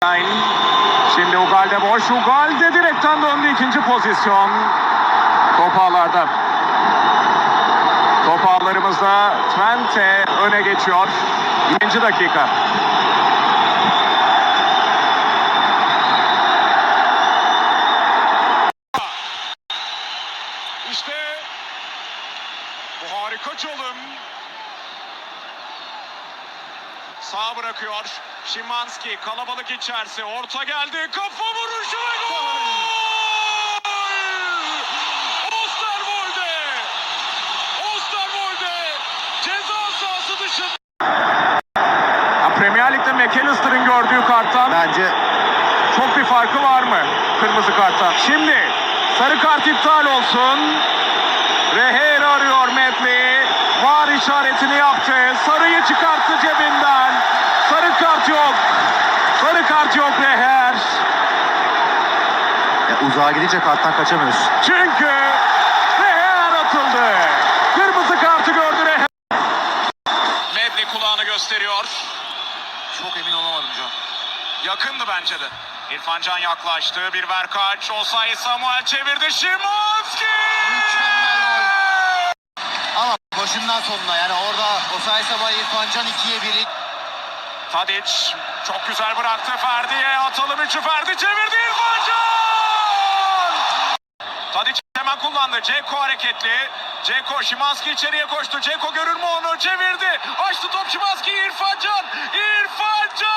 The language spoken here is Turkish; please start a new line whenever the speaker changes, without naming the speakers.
Şimdi Ugalde boş. Ugalde direkten döndü, ikinci pozisyon. Top ağlarda. Top ağlarımızda Twente öne geçiyor. 20. dakika. İşte bu harika çalım. Sağ bırakıyor. Szymański kalabalık içerisi. Orta geldi. Kafa vuruşu ve gol! Osterwolde! Osterwolde! Ceza sahası dışında. Premier Lig'de McAllister'ın gördüğü karttan
Bence
çok bir farkı var mı kırmızı karttan? Şimdi sarı kart iptal olsun. Reher arıyor Medley. VAR işaretini yaptı. Sarıyı çıkarttı cebinden. Sarı kart yok. Sarı kart yok Reher.
uzağa gidince karttan kaçamıyorsun.
Çünkü Reher atıldı. Kırmızı kartı gördü Reher. Medley kulağını gösteriyor.
Çok emin olamadım Can.
Yakındı bence de. İrfan Can yaklaştı. Bir verkaç. Osayi Samuel çevirdi. Szymański!
Mükemmel gol. Ama başından sonuna yani orada Osayi Samuel İrfan Can 2'ye 1'i.
Tadic çok güzel bıraktı Ferdi'ye. Atalım üçü, Ferdi çevirdi, İrfan Can! Tadic hemen kullandı. Dzeko hareketli. Dzeko, Szymański içeriye koştu. Dzeko görür mü onu? Çevirdi. Açtı top Szymański. İrfan Can! İrfan Can!